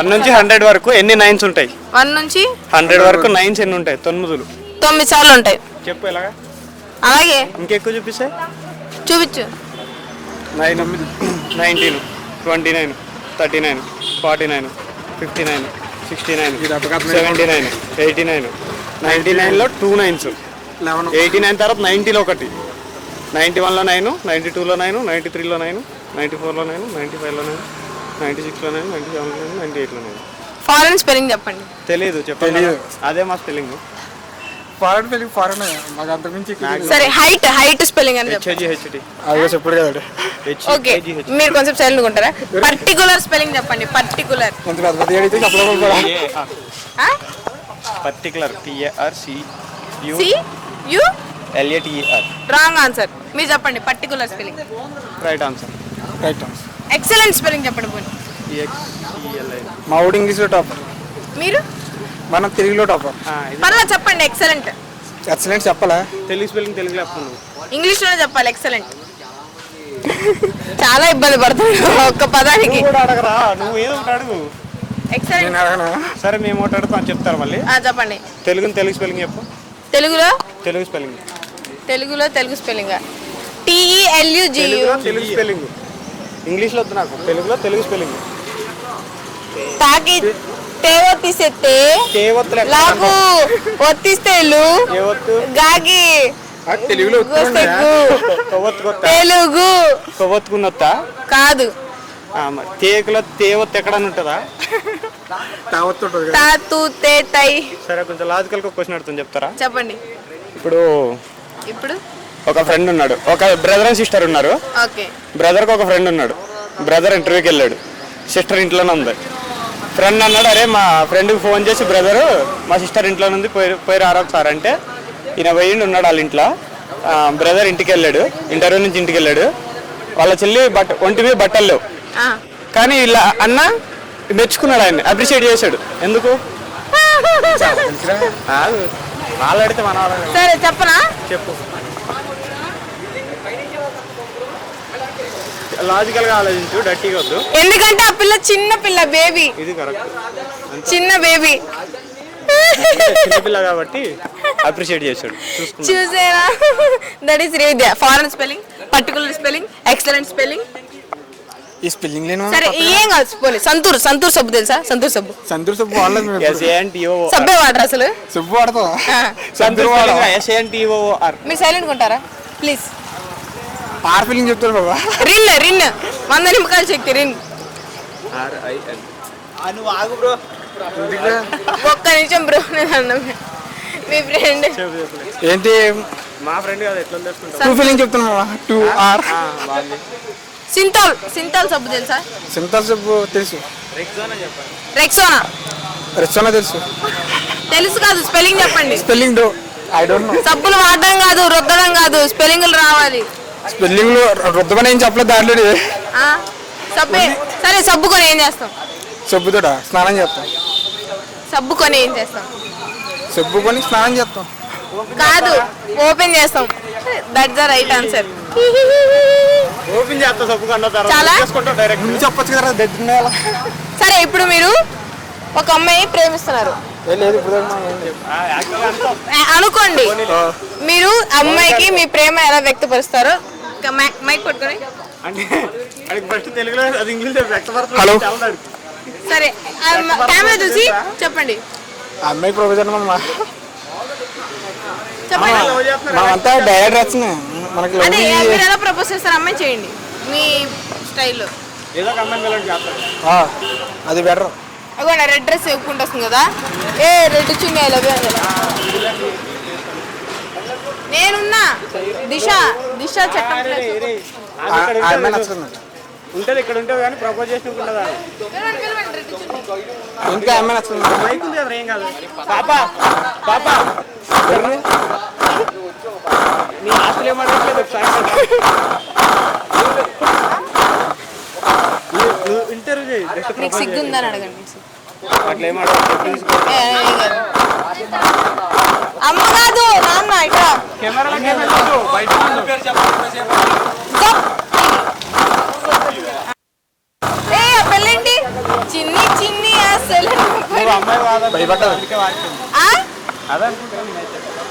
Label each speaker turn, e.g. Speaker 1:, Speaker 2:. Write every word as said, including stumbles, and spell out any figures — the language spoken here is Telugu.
Speaker 1: వన్ నుంచి హండ్రెడ్ వరకు ఎన్ని నైన్స్ ఉంటాయి?
Speaker 2: వన్ నుంచి
Speaker 1: హండ్రెడ్ వరకు నైన్స్ ఎన్ని ఉంటాయి? తొమ్మిదిలు.
Speaker 2: తొమ్మిది సార్లు ఉంటాయి.
Speaker 1: చెప్పు ఎలాగా?
Speaker 2: అలాగే
Speaker 1: ఇంకెక్కువ చూపిస్తే
Speaker 2: చూపించు.
Speaker 1: Nine, nineteen, twenty nine, thirty nine, forty nine, fifty nine, sixty nine, seventy nine, eighty nine. Ninety నైన్లో టూ నైన్స్, ఎయిటీ నైన్ తర్వాత నైంటీలో ఒకటి, నైంటీ వన్లో నైన్, నైంటీ టూలో నైన్, నైంటీ త్రీలో నైన్, నైంటీ ఫోర్లో నైన్, నైంటీ ఫైవ్లో నైన్, నైంటీ సిక్స్లో నైన్, నైంటీ సెవెన్లో నైన్, నైంటీ ఎయిట్లో నైన్.
Speaker 2: ఫారెన్ స్పెల్లింగ్ చెప్పండి.
Speaker 1: తెలియదు, చెప్పండి. అదే మా స్పెల్లింగ్.
Speaker 3: ఫారెన్ స్పెల్లింగ్ ఫారెన్ మాకు అంత మించి.
Speaker 2: సరే హైట్ హైట్ స్పెల్లింగ్ అని
Speaker 1: చెప్పండి. హెచ్జి
Speaker 3: అదే చెప్పుడు కదా.
Speaker 2: ఓకే మీరు కొంచెం సైలెంట్ ఉంటారా? పర్టికులర్ స్పెల్లింగ్ చెప్పండి. పర్టికులర్
Speaker 3: కొంత పెద్ద పెద్ద అడిగితే చెప్పలేకపోతే
Speaker 1: particular TAR C U
Speaker 2: C U
Speaker 1: L A T A R.
Speaker 2: Wrong answer. మీరు చెప్పండి particular spelling.
Speaker 1: Right answer.
Speaker 3: Right answer.
Speaker 2: Excellent spelling చెప్పండి పోనీ.
Speaker 3: మా ఊడి ఇంగ్లీష్లో టాపర్,
Speaker 2: మీరు
Speaker 3: మనం తెలుగులో టాపర్.
Speaker 2: పర్లేదు చెప్పండి. ఎక్సలెంట్.
Speaker 3: ఎక్సలెంట్ చెప్పాలా?
Speaker 1: తెలుగు స్పెల్లింగ్ తెలుగులో చెప్తున్నాను.
Speaker 2: ఇంగ్లీష్లోనే చెప్పాలి. ఎక్సలెంట్. చాలా ఇబ్బంది పడుతున్నాడు ఒక్క పదానికి.
Speaker 1: అడగరా నువ్వు ఏదో ఒకటి అడుగు.
Speaker 2: ఎక్సలెంట్.
Speaker 1: సరే మేము ఒకటి అడుగుతాం, చెప్తారు మళ్ళీ.
Speaker 2: చెప్పండి.
Speaker 1: తెలుగు తెలుగు స్పెల్లింగ్ చెప్పు.
Speaker 2: తెలుగులో
Speaker 1: తెలుగు స్పెల్లింగ్.
Speaker 2: తెలుగులో Telugu spelling TELUGU.
Speaker 1: Telugu spelling. ఇంగ్లీష్లో వద్దు నాకు, తెలుగులో తెలుగు స్పెల్లింగ్.
Speaker 2: తాకి తేవొత్తిసెత్తే లాగు ఒత్తిస్తేలు గాగి
Speaker 3: తెలుగులో
Speaker 2: తెలుగు
Speaker 1: కొవ్వొత్తుకున్నొత్తా
Speaker 2: కాదు.
Speaker 1: తేకులో తేవొత్తు ఎక్కడని ఉంటుందా?
Speaker 2: తాతు తే తై.
Speaker 1: సరే కొంచెం లాజికల్ క్వశ్చన్ అడుగుతుంది, చెప్తారా?
Speaker 2: చెప్పండి.
Speaker 1: ఇప్పుడు
Speaker 2: ఇప్పుడు
Speaker 1: ఒక ఫ్రెండ్ ఉన్నాడు, ఒక బ్రదర్ అండ్ సిస్టర్ ఉన్నారు.
Speaker 2: ఓకే.
Speaker 1: బ్రదర్కి ఒక ఫ్రెండ్ ఉన్నాడు. బ్రదర్ ఇంటర్వ్యూకి వెళ్ళాడు, సిస్టర్ ఇంట్లోనే ఉంది. ఫ్రెండ్ అన్నాడు, అరే మా ఫ్రెండ్కి ఫోన్ చేసి బ్రదరు మా సిస్టర్ ఇంట్లోనే ఉంది, పోయి పోయి రారా సార్ అంటే ఈయన పోయిండి ఉన్నాడు వాళ్ళ ఇంట్లో. బ్రదర్ ఇంటికి వెళ్ళాడు, ఇంటర్వ్యూ నుంచి ఇంటికి వెళ్ళాడు. వాళ్ళ చెల్లి బట్ట ఒంటి మీద బట్టలు లేవు, కానీ ఇలా అన్న మెచ్చుకున్నాడు, ఆయన అప్రిషియేట్ చేశాడు. ఎందుకు? వాళ్ళు అడిగితే మన
Speaker 2: సరే చెప్పనా?
Speaker 1: చెప్పు. లాజికల్ గా ఆలోచించు, డట్టిగా వద్దు.
Speaker 2: ఎందుకంటే ఆ పిల్ల చిన్న పిల్ల, బేబీ.
Speaker 1: ఇది కరెక్ట్,
Speaker 2: చిన్న బేబీ,
Speaker 1: చిన్న పిల్ల కాబట్టి అప్రిషియేట్ చేశాడు.
Speaker 2: చూసేనా? That is read foreign spelling, particular spelling, excellent spelling.
Speaker 3: ఈ స్పెల్లింగ్ లేను.
Speaker 2: సరే ఏం కాదు పోనీ. సంతూర్ సంతూర్ సబ్బు తెలుసా? సంతూర్ సబ్బు.
Speaker 3: సంతూర్ సబ్బు వాడలేదు.
Speaker 2: సబ్బే వాడరు అసలు.
Speaker 3: సబ్బు వాడతా.
Speaker 1: సంతూర్ వాడ.
Speaker 2: మీరు సైలెంట్ ఉంటారా ప్లీజ్?
Speaker 3: ఆర్ ఫీలింగ్ చెప్తారు బాబా.
Speaker 2: రిన్ రిన్ వంద నిమ్మకాయలు శక్తి రిన్. ఒక్క నిమిషం బ్రో, నేను అన్నా మీ ఫ్రెండ్
Speaker 3: ఏంటి?
Speaker 1: మా ఫ్రెండ్ కాదు, ఎట్లా తెలుసుకుంటా.
Speaker 3: టూ ఫీలింగ్ చెప్తున్నా. Two R.
Speaker 2: సింతాల్. సింతాల్ సబ్బు తెలుసా?
Speaker 3: సింతాల్ సబ్బు తెలుసు.
Speaker 2: రెక్సోనా.
Speaker 3: రెక్సోనా తెలుసు.
Speaker 2: తెలుసు కాదు, స్పెల్లింగ్ చెప్పండి.
Speaker 3: Spelling do I don't know.
Speaker 2: సబ్బులు వాడడం కాదు, రుద్దడం కాదు, స్పెల్లింగ్లు రావాలి.
Speaker 3: స్పెల్లింగ్ లో రుద్దమని ఏం చెప్పలేదు దాంట్లో.
Speaker 2: సబ్బే. సరే సబ్బు కొని ఏం చేస్తాం?
Speaker 3: సబ్బుతోట స్నానం చేస్తాం.
Speaker 2: సబ్బు కొని ఏం చేస్తాం?
Speaker 3: సబ్బు కొని స్నానం చేస్తాం.
Speaker 2: కాదు, ఓపెన్ చేస్తాం. That's the right answer.
Speaker 1: Open చేస్తా సబ్బు కన్నా
Speaker 2: చాలా
Speaker 1: డైరెక్ట్
Speaker 3: చెప్పొచ్చు కదా. దగ్గర.
Speaker 2: సరే ఇప్పుడు మీరు ఒక అమ్మాయి ప్రేమిస్తున్నారు అనుకోండి. మీరు అమ్మాయికి మీ ప్రేమ ఎలా వ్యక్తపరుస్తారో మైక్ పట్టుకొని.
Speaker 3: హలో.
Speaker 2: సరే కెమెరా చూసి చెప్పండి.
Speaker 3: అమ్మాయి ప్రొఫెసర్
Speaker 2: చెప్పండి.
Speaker 3: అంతా డైరెక్ట్ వచ్చింది మనకి.
Speaker 2: అదే మీరు ఎలా ప్రపోజ్ చేస్తారు అమ్మాయి చేయండి మీ స్టైల్లో.
Speaker 3: అది బెటర్.
Speaker 2: అగోండి రెడ్ డ్రెస్ ఎక్కుంటూ వస్తుంది కదా. ఏ రెడ్ చున్నీ ఐ లవ్ యూ కదా. నేనున్నా. దిశ దిశ చట్టం
Speaker 1: ఉంటుంది ఇక్కడ ఉంటుంది కానీ ప్రపోజ్ చేసి
Speaker 3: ఇంకా అమ్మాయి నచ్చుతుంది.
Speaker 1: మైక్ ఉంది కదా, ఏం కాదు. పాపా పాపా నీ ఆస్తులు ఏమడట్లేదు. ఇంటర్వ్యూ చేయి.
Speaker 2: నీకు సిగ్గుందని అడగండి.
Speaker 1: అట్లా ఏమడగదు.
Speaker 2: అమ్మ కాదు నాన్న. ఇక్కడ ఏ పెళ్ళండి. చిన్ని చిన్ని
Speaker 1: అమ్మాయి వాదన
Speaker 3: భయపడ్డాను.
Speaker 1: అందుకే వాడుతుంది
Speaker 2: ఆ?
Speaker 1: అదే అనుకుంటాను నేనైతే.